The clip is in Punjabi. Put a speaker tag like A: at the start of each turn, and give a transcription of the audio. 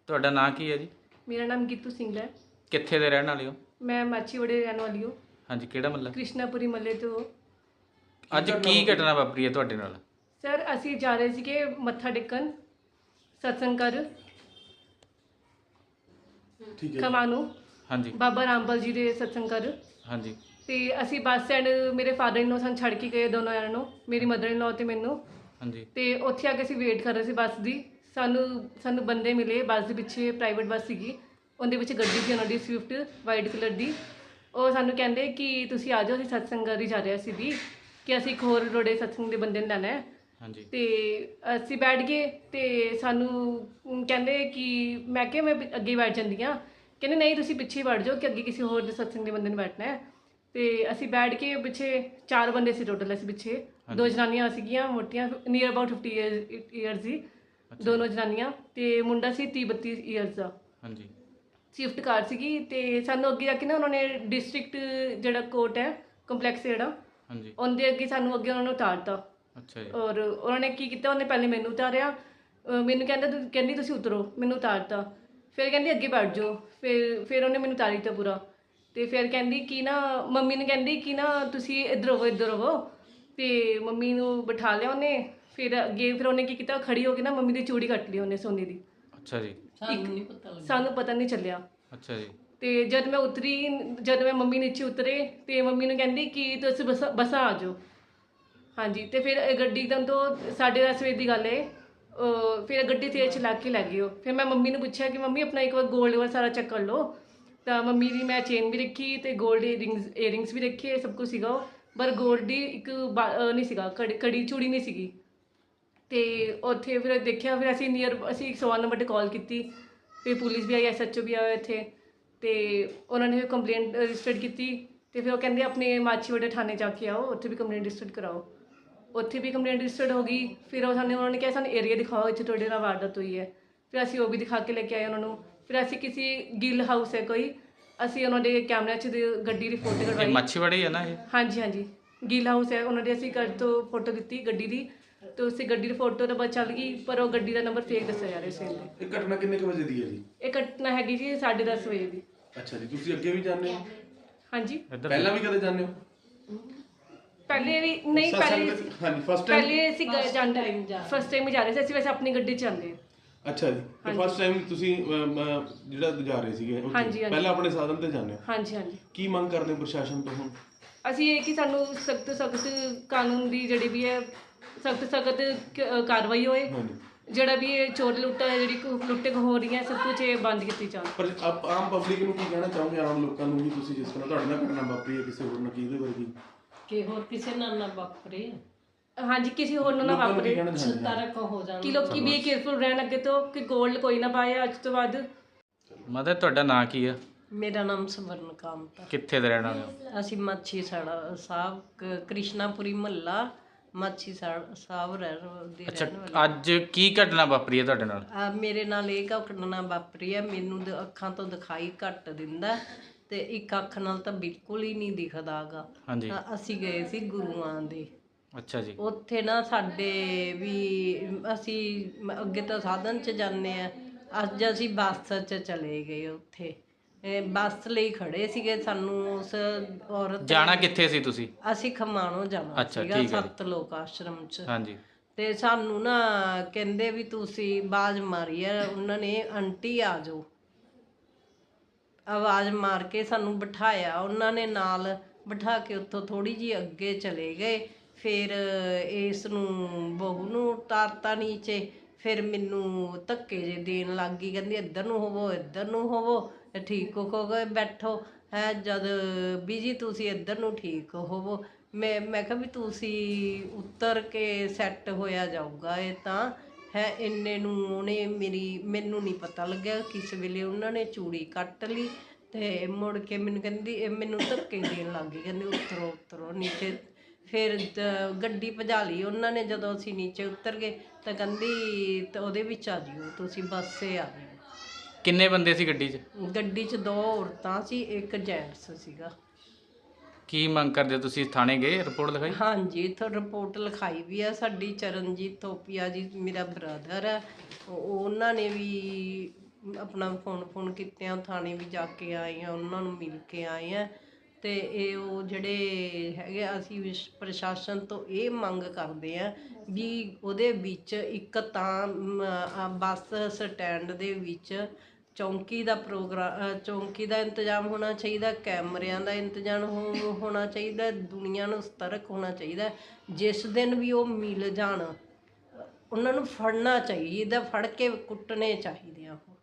A: ਤੁਹਾਡਾ ਨਾਂ ਕੀ ਹੈ ਜੀ?
B: मेरा नाम गीतू सिंह है।
A: ਕਿੱਥੇ ਦੇ ਰਹਿਣ ਵਾਲੇ ਹੋ?
B: मैं माछीवाड़े रहने वाली हूँ।
A: ਹਾਂਜੀ, ਕਿਹੜਾ ਮਹੱਲਾ?
B: कृष्णापुरी मल्ले तो।
A: ਅੱਜ ਕੀ ਘਟਨਾ ਵਾਪਰੀ ਹੈ ਤੁਹਾਡੇ ਨਾਲ?
B: सर असी जा रहे थे मत्था टेकन सत्संग कर
C: ठीक है।
B: खमानू
A: ਹਾਂਜੀ
B: बाबा रामपाल जी के सत्संग कर।
A: ਹਾਂਜੀ
B: ਤੇ ਅਸੀਂ ਬੱਸ ਸਟੈਂਡ ਮੇਰੇ ਫਾਦਰ ਇਨ ਲੋ ਸਾਨੂੰ ਛੱਡ ਕੇ ਗਏ ਦੋਨੋਂ ਜਣਿਆਂ ਨੂੰ, ਮੇਰੀ ਮਦਰ ਇਨ ਲੋ ਤੇ ਮੈਨੂੰ।
A: ਹਾਂਜੀ
B: ਤੇ ਉੱਥੇ ਆ ਕੇ ਅਸੀਂ ਵੇਟ ਕਰ ਰਹੇ ਸੀ ਬੱਸ ਦੀ। ਸਾਨੂੰ ਬੰਦੇ ਮਿਲੇ ਬੱਸ ਦੇ ਪਿੱਛੇ, ਪ੍ਰਾਈਵੇਟ ਬੱਸ ਸੀਗੀ, ਉਹਦੇ ਵਿੱਚ ਗੱਡੀ ਸੀ ਉਹਨਾਂ ਦੀ ਸਵਿਫਟ ਵਾਈਟ ਕਲਰ ਦੀ। ਉਹ ਸਾਨੂੰ ਕਹਿੰਦੇ ਕਿ ਤੁਸੀਂ ਆ ਜਾਓ, ਅਸੀਂ ਸਤਸੰਗ ਕਰ ਹੀ ਜਾ ਰਹੇ ਸੀ ਵੀ, ਕਿ ਅਸੀਂ ਇੱਕ ਹੋਰ ਰੋੜੇ ਸਤਸੰਗ ਦੇ ਬੰਦੇ ਨੂੰ ਲੈਣਾ ਹੈ।
A: ਹਾਂਜੀ
B: ਤੇ ਅਸੀਂ ਬੈਠ ਗਏ ਤੇ ਸਾਨੂੰ ਕਹਿੰਦੇ ਕਿ ਮੈਂ ਕਿਹਾ ਮੈਂ ਅੱਗੇ ਬੈਠ ਜਾਂਦੀ ਹਾਂ। ਕਹਿੰਦੇ ਨਹੀਂ ਤੁਸੀਂ ਪਿੱਛੇ ਹੀ ਬੈਠ ਜਾਓ ਕਿ ਅੱਗੇ ਕਿਸੇ ਹੋਰ ਦੇ ਸਤਸੰਗ ਦੇ ਬੰਦੇ ਨੂੰ ਬੈਠਣਾ ਹੈ। ਤੇ ਅਸੀਂ ਬੈਠ ਕੇ ਪਿੱਛੇ 4 ਬੰਦੇ ਸੀ ਟੋਟਲ, ਅਸੀਂ ਪਿੱਛੇ 2 ਜਨਾਨੀਆਂ ਸੀਗੀਆਂ ਮੋਟੀਆਂ, ਨੀਅਰ ਅਬਾਊਟ 50 ਈਅਰਸ ਦੀ ਦੋਨੋਂ ਜਨਾਨੀਆਂ, ਤੇ ਮੁੰਡਾ ਸੀ 30-32 ਈਅਰਸ ਦਾ।
A: ਹਾਂਜੀ
B: ਸ਼ਿਫਟ ਕਾਰ ਸੀਗੀ। ਤੇ ਸਾਨੂੰ ਅੱਗੇ ਜਾ ਕੇ ਨਾ ਉਹਨਾਂ ਨੇ ਡਿਸਟ੍ਰਿਕਟ ਜਿਹੜਾ ਕੋਰਟ ਹੈ ਕੰਪਲੈਕਸ ਜਿਹੜਾ,
A: ਹਾਂਜੀ
B: ਉਹਦੇ ਅੱਗੇ ਸਾਨੂੰ ਅੱਗੇ ਉਹਨਾਂ ਨੂੰ ਉਤਾਰਤਾ।
A: ਅੱਛਾ ਜੀ।
B: ਔਰ ਉਹਨਾਂ ਨੇ ਕੀ ਕੀਤਾ, ਉਹਨੇ ਪਹਿਲੇ ਮੈਨੂੰ ਉਤਾਰਿਆ, ਮੈਨੂੰ ਕਹਿੰਦੀ ਤੁਸੀਂ ਉਤਰੋ, ਮੈਨੂੰ ਉਤਾਰਤਾ। ਫਿਰ ਕਹਿੰਦੀ ਅੱਗੇ ਬੈਠ ਜਾਓ, ਫਿਰ ਉਹਨੇ ਮੈਨੂੰ ਉਤਾਰੀ ਦਿੱਤਾ ਪੂਰਾ। ਤੇ ਫਿਰ ਕਹਿੰਦੀ ਕਿ ਨਾ ਮੰਮੀ ਨੂੰ ਕਹਿੰਦੀ ਕਿ ਨਾ ਤੁਸੀਂ ਇੱਧਰ ਹੋਵੋ। ਤੇ ਮੰਮੀ ਨੂੰ ਬਿਠਾ ਲਿਆ ਉਹਨੇ। ਫਿਰ ਅੱਗੇ ਫਿਰ ਉਹਨੇ ਕੀ ਕੀਤਾ, ਖੜੀ ਹੋ ਕੇ ਨਾ ਮੰਮੀ ਦੀ ਚੂੜੀ ਕੱਟ ਲਈ ਉਹਨੇ ਸੋਨੇ ਦੀ।
A: ਅੱਛਾ ਜੀ।
B: ਸਾਨੂੰ ਪਤਾ ਨਹੀਂ ਚੱਲਿਆ।
A: ਅੱਛਾ ਜੀ।
B: ਤੇ ਜਦ ਮੈਂ ਮੰਮੀ ਨੀਚੇ ਉਤਰੇ ਤੇ ਮੰਮੀ ਨੂੰ ਕਹਿੰਦੀ ਕਿ ਤੁਸੀਂ ਬੱਸਾਂ ਆ ਜਾਓ। ਹਾਂਜੀ। ਤੇ ਫਿਰ ਗੱਡੀ ਇੱਕਦਮ ਤੋਂ 10:30 ਵਜੇ ਦੀ ਗੱਲ ਹੈ। ਫਿਰ ਗੱਡੀ ਤੇਜ਼ ਚਲਾ ਕੇ ਲੈ ਗਈ ਉਹ। ਫਿਰ ਮੈਂ ਮੰਮੀ ਨੂੰ ਪੁੱਛਿਆ ਕਿ ਮੰਮੀ ਆਪਣਾ ਇੱਕ ਵਾਰ ਗੋਲਡ ਵਾਲਾ ਸਾਰਾ ਚੈੱਕ ਕਰ ਲਓ। ਤਾਂ ਮੰਮੀ ਦੀ ਮੈਂ ਚੇਨ ਵੀ ਰੱਖੀ ਤੇ ਗੋਲਡ ਏਅਰਿੰਗਸ ਵੀ ਰੱਖੇ, ਸਭ ਕੁਝ ਸੀਗਾ ਉਹ, ਪਰ ਗੋਲਡ ਦੀ ਇੱਕ ਨਹੀਂ ਸੀਗਾ, ਕੜੀ ਚੂੜੀ ਨਹੀਂ ਸੀਗੀ। ਤੇ ਉੱਥੇ ਫਿਰ ਦੇਖਿਆ, ਫਿਰ ਅਸੀਂ 101 ਨੰਬਰ 'ਤੇ ਕਾਲ ਕੀਤੀ। ਫਿਰ ਪੁਲਿਸ ਵੀ ਆਈ, SHO ਵੀ ਆਇਆ ਇੱਥੇ। ਤੇ ਉਹਨਾਂ ਨੇ ਕੰਪਲੇਂਟ ਰਜਿਸਟਰਡ ਕੀਤੀ। ਤੇ ਫਿਰ ਉਹ ਕਹਿੰਦੇ ਆਪਣੇ ਮਾਛੀਵਾੜੇ ਥਾਣੇ ਜਾ ਕੇ ਆਓ, ਉੱਥੇ ਵੀ ਕੰਪਲੇਂਟ ਰਜਿਸਟਰਡ ਕਰਾਓ। ਉੱਥੇ ਵੀ ਕੰਪਲੇਂਟ ਰਜਿਸਟਰਡ ਹੋ ਗਈ। ਫਿਰ ਉਹਨਾਂ ਨੇ ਕਿਹਾ ਸਾਨੂੰ ਏਰੀਆ ਦਿਖਾਓ, ਇੱਥੇ ਤੁਹਾਡੇ ਨਾਲ ਵਾਰਦਾਤ ਹੋਈ ਹੈ। ਫਿਰ ਅਸੀਂ ਉਹ ਵੀ ਦਿਖਾ ਕੇ ਲੈ ਕੇ ਆਏ ਉਹਨਾਂ ਨੂੰ। ਫਿਰ ਅਸੀਂ ਕਿਸੇ ਗਿੱਲ ਹਾਊਸ ਹੈ ਕੋਈ, ਅਸੀਂ ਉਹਨਾਂ ਦੇ ਕੈਮਰਿਆਂ 'ਚ ਗੱਡੀ ਦੀ ਫੋਟੋ
A: ਇਹ
B: ਕਢਵਾਈ।
A: ਮੱਛੀਵਾੜੀ ਹੈ ਨਾ ਇਹ?
B: ਹਾਂਜੀ ਗਿੱਲ ਹਾਊਸ ਹੈ, ਉਹਨਾਂ ਦੇ ਅਸੀਂ ਘਰ ਤੋਂ ਫੋਟੋ ਦਿੱਤੀ ਗੱਡੀ ਦੀ। ਤੇ ਉਸੇ ਗੱਡੀ ਦੀ ਫੋਟੋ ਤਾਂ ਬਸ ਚੱਲ ਗਈ, ਪਰ ਉਹ ਗੱਡੀ ਦਾ ਨੰਬਰ ਫੇਕ ਦੱਸਿਆ ਜਾ ਰਿਹਾ ਸੀ।
C: ਇਹ ਘਟਨਾ ਕਿੰਨੇ ਕੁ ਵਜੇ ਦੀ ਹੈ ਜੀ?
B: ਇਹ ਘਟਨਾ ਹੈਗੀ ਜੀ 10:30 ਵਜੇ ਦੀ।
C: ਅੱਛਾ ਜੀ। ਤੁਸੀਂ ਅੱਗੇ ਵੀ ਜਾਂਦੇ ਹੋ?
B: ਹਾਂਜੀ।
C: ਪਹਿਲਾਂ ਵੀ ਕਦੇ ਜਾਂਦੇ ਹੋ?
B: ਪਹਿਲੇ ਵੀ ਨਹੀਂ,
C: ਹਾਂਜੀ, ਫਸਟ ਟਾਈਮ?
B: ਪਹਿਲੇ ਅਸੀਂ ਫਸਟ ਟਾਈਮ ਹੀ ਜਾ ਰਹੇ ਸੀ। ਅਸੀਂ ਵੈਸੇ ਆਪਣੀ ਗੱਡੀ 'ਚ ਜਾਂਦੇ।
C: ਅੱਛਾ ਜੀ। ਤੇ ਫਸਟ ਟਾਈਮ ਤੁਸੀਂ ਜਿਹੜਾ ਜਾ ਰਹੇ ਸੀਗੇ ਉੱਥੇ,
B: ਹਾਂਜੀ।
C: ਪਹਿਲਾਂ ਆਪਣੇ ਸਾਧਨ ਤੇ ਜਾਂਦੇ ਹੋ?
B: ਹਾਂਜੀ।
C: ਕੀ ਮੰਗ ਕਰਦੇ ਹੋ ਪ੍ਰਸ਼ਾਸਨ ਤੋਂ ਹੁਣ?
B: ਅਸੀਂ ਇਹ ਕਿ ਸਾਨੂੰ ਸਖਤ ਕਾਨੂੰਨ ਦੀ ਜਿਹੜੀ ਵੀ ਹੈ ਸਖਤ ਕਾਰਵਾਈ ਹੋਏ।
C: ਹਾਂਜੀ।
B: ਜਿਹੜਾ ਵੀ ਇਹ ਚੋਰ ਲੁੱਟਾ ਜਿਹੜੀ ਲੁੱਟੇ ਹੋ ਰਹੀਆਂ, ਸਭ ਕੁਝ ਇਹ ਬੰਦ ਕੀਤੀ ਜਾਵੇ।
C: ਪਰ ਆਮ ਪਬਲਿਕ ਨੂੰ ਕੀ ਕਹਿਣਾ ਚਾਹੋਗੇ, ਆਮ ਲੋਕਾਂ ਨੂੰ ਵੀ? ਤੁਸੀਂ ਜਿਸ ਤਰ੍ਹਾਂ ਤੁਹਾਡੇ ਨਾਲ ਘਟਨਾ ਵਾਪਰੀ ਹੈ, ਕਿਸੇ ਹੋਰ ਨਾਲ ਕੀ ਇਹਦੇ ਵਰਗੀ?
D: ਕਿ ਹੋਰ ਕਿਸੇ ਨਾਲ ਨਾ ਵਾਪਰੇ।
B: ਹਾਂਜੀ, ਕਿਸੇ ਹੋਰ ਨੂੰ ਨਾ ਵਾਪਰੇ।
D: ਤਰਕ ਹੋ ਜਾਣ
B: ਕਿ ਲੋਕੀ ਵੀ ਕੇਅਰਫੁਲ ਰਹਿਣ ਅੱਗੇ ਤੋਂ, ਕਿ ਗੋਲਡ ਕੋਈ ਨਾ ਪਾਏ ਅੱਜ ਤੋਂ ਬਾਅਦ।
A: ਮਦਰ ਤੁਹਾਡਾ ਨਾਂ ਕੀ ਹੈ?
D: ਮੇਰਾ ਨਾਮ ਸਵਰਨ ਕਾਮਤ।
A: ਕਿੱਥੇ ਦੇ ਰਹਿਣ ਵਾਲੇ ਹੋ?
D: ਅਸੀਂ ਮਾਛੀ ਸਾਹਿਬ ਕ੍ਰਿਸ਼ਨਾਪੁਰੀ ਮਹੱਲਾ ਮਾਛੀ ਸਾਹਿਬ ਦੇ
A: ਅੱਛਾ,
D: ਰਹਿਣ ਵਾਲੇ।
A: ਅੱਜ ਕੀ ਘਟਨਾ ਵਾਪਰੀ ਹੈ ਤੁਹਾਡੇ ਨਾਲ?
D: ਮੇਰੇ ਨਾਲ ਇਹ ਘਟਨਾ ਵਾਪਰੀ ਹੈ। ਮੈਨੂੰ ਅੱਖਾਂ ਤੋਂ ਦਿਖਾਈ ਘੱਟ ਦਿੰਦਾ ਤੇ ਇੱਕ ਅੱਖ ਨਾਲ ਤਾਂ ਬਿਲਕੁਲ ਹੀ ਨਹੀਂ ਦਿਖਦਾ ਗਾ।
A: ਹਾਂਜੀ।
D: ਅਸੀਂ ਗਏ ਸੀ ਗੁਰੂਆਂ ਦੇ।
A: ਅੱਛਾ ਜੀ।
D: ਉੱਥੇ ਨਾ ਸਾਡੇ ਵੀ ਅਸੀਂ ਅੱਗੇ ਤਾਂ ਸਾਧਨ 'ਚ ਜਾਂਦੇ ਆ, ਅੱਜ ਅਸੀਂ ਬੱਸ 'ਚ ਚਲੇ ਗਏ। ਉੱਥੇ ਬੱਸ ਲਈ ਖੜੇ ਸੀਗੇ। ਸਾਨੂੰ ਉਸ ਔਰਤ
A: ਜਾਣਾ ਕਿੱਥੇ ਸੀ ਤੁਸੀਂ?
D: ਅਸੀਂ ਖਮਾਣੋਂ ਜਾਣਾ ਸੀਗਾ, ਸੱਤ ਲੋਕ ਆਸ਼ਰਮ 'ਚ।
A: ਹਾਂਜੀ।
D: ਤੇ ਸਾਨੂੰ ਨਾ ਕਹਿੰਦੇ ਵੀ ਤੁਸੀਂ ਆਵਾਜ਼ ਮਾਰੀ ਆ ਉਹਨਾਂ ਨੇ, ਆਂਟੀ ਆ ਜਾਓ। ਆਵਾਜ਼ ਮਾਰ ਕੇ ਸਾਨੂੰ ਬਿਠਾਇਆ ਉਹਨਾਂ ਨੇ, ਨਾਲ ਬਿਠਾ ਕੇ ਉੱਥੋਂ ਥੋੜ੍ਹੀ ਜਿਹੀ ਅੱਗੇ ਚਲੇ ਗਏ। ਫਿਰ ਇਸ ਨੂੰ ਬਹੂ ਨੂੰ ਉਤਾਰਤਾ ਨੀਚੇ। ਫਿਰ ਮੈਨੂੰ ਧੱਕੇ ਜੇ ਦੇਣ ਲੱਗ ਗਈ, ਕਹਿੰਦੀ ਇੱਧਰ ਨੂੰ ਹੋਵੋ, ਠੀਕ ਹੋ ਗਏ, ਬੈਠੋ ਹੈ। ਜਦ ਬੀਜੀ ਤੁਸੀਂ ਇੱਧਰ ਨੂੰ ਠੀਕ ਹੋਵੋ। ਮੈਂ ਕਿਹਾ ਵੀ ਤੁਸੀਂ ਉਤਰ ਕੇ ਸੈੱਟ ਹੋਇਆ ਜਾਊਗਾ ਇਹ ਤਾਂ ਹੈ। ਇੰਨੇ ਨੂੰ ਉਹਨੇ ਮੈਨੂੰ ਨਹੀਂ ਪਤਾ ਲੱਗਿਆ ਕਿਸ ਵੇਲੇ ਉਹਨਾਂ ਨੇ ਚੂੜੀ ਕੱਟ ਲਈ। ਤੇ ਮੁੜ ਕੇ ਮੈਨੂੰ ਕਹਿੰਦੀ, ਮੈਨੂੰ ਧੱਕੇ ਦੇਣ ਲੱਗ ਗਈ, ਕਹਿੰਦੀ ਉਤਰੋ ਨੀਚੇ। ਫਿਰ ਗੱਡੀ ਭਜਾ ਲਈ ਉਹਨਾਂ ਨੇ। ਜਦੋਂ ਅਸੀਂ ਨੀਚੇ ਉਤਰ ਗਏ ਤਾਂ ਕਹਿੰਦੀ ਤਾਂ ਉਹਦੇ ਵਿੱਚ ਆ ਜਿਓ ਤੁਸੀਂ, ਬੱਸੇ ਆ ਜਿਓ।
A: ਕਿੰਨੇ ਬੰਦੇ ਸੀ ਗੱਡੀ 'ਚ?
D: ਗੱਡੀ 'ਚ 2 ਔਰਤਾਂ ਸੀ, ਇੱਕ ਜੈਂਟਸ ਸੀਗਾ।
A: ਕੀ ਮੰਗ ਕਰਦੇ ਹੋ ਤੁਸੀਂ? ਥਾਣੇ ਗਏ, ਰਿਪੋਰਟ ਲਿਖਾਈ?
D: ਹਾਂਜੀ, ਇੱਥੋਂ ਰਿਪੋਰਟ ਲਿਖਾਈ ਵੀ ਆ। ਸਾਡੀ ਚਰਨਜੀਤ ਥੋਪੀਆ ਜੀ ਮੇਰਾ ਬ੍ਰਦਰ ਹੈ, ਉਹਨਾਂ ਨੇ ਵੀ ਆਪਣਾ ਫੋਨ ਕੀਤਿਆਂ ਥਾਣੇ ਵੀ ਜਾ ਕੇ ਆਏ ਆ, ਉਹਨਾਂ ਨੂੰ ਮਿਲ ਕੇ ਆਏ ਆ। ਤੇ ਇਹ ਉਹ ਜਿਹੜੇ ਹੈਗੇ ਅਸੀਂ ਪ੍ਰਸ਼ਾਸਨ ਤੋਂ ਇਹ ਮੰਗ ਕਰਦੇ ਆ ਵੀ ਉਹਦੇ ਵਿੱਚ ਇੱਕ ਤਾਂ ਬੱਸ ਸਟੈਂਡ ਦੇ ਵਿੱਚ ਚੌਂਕੀ ਦਾ ਚੌਂਕੀ ਦਾ ਇੰਤਜ਼ਾਮ ਹੋਣਾ ਚਾਹੀਦਾ, ਕੈਮਰਿਆਂ ਦਾ ਇੰਤਜ਼ਾਮ ਹੋਣਾ ਚਾਹੀਦਾ, ਦੁਨੀਆ ਨੂੰ ਸਤਰਕ ਹੋਣਾ ਚਾਹੀਦਾ। ਜਿਸ ਦਿਨ ਵੀ ਉਹ ਮਿਲ ਜਾਣ ਉਹਨਾਂ ਨੂੰ ਫੜਨਾ ਚਾਹੀਦਾ, ਫੜ ਕੇ ਕੁੱਟਣੇ ਚਾਹੀਦੇ ਆ ਉਹ।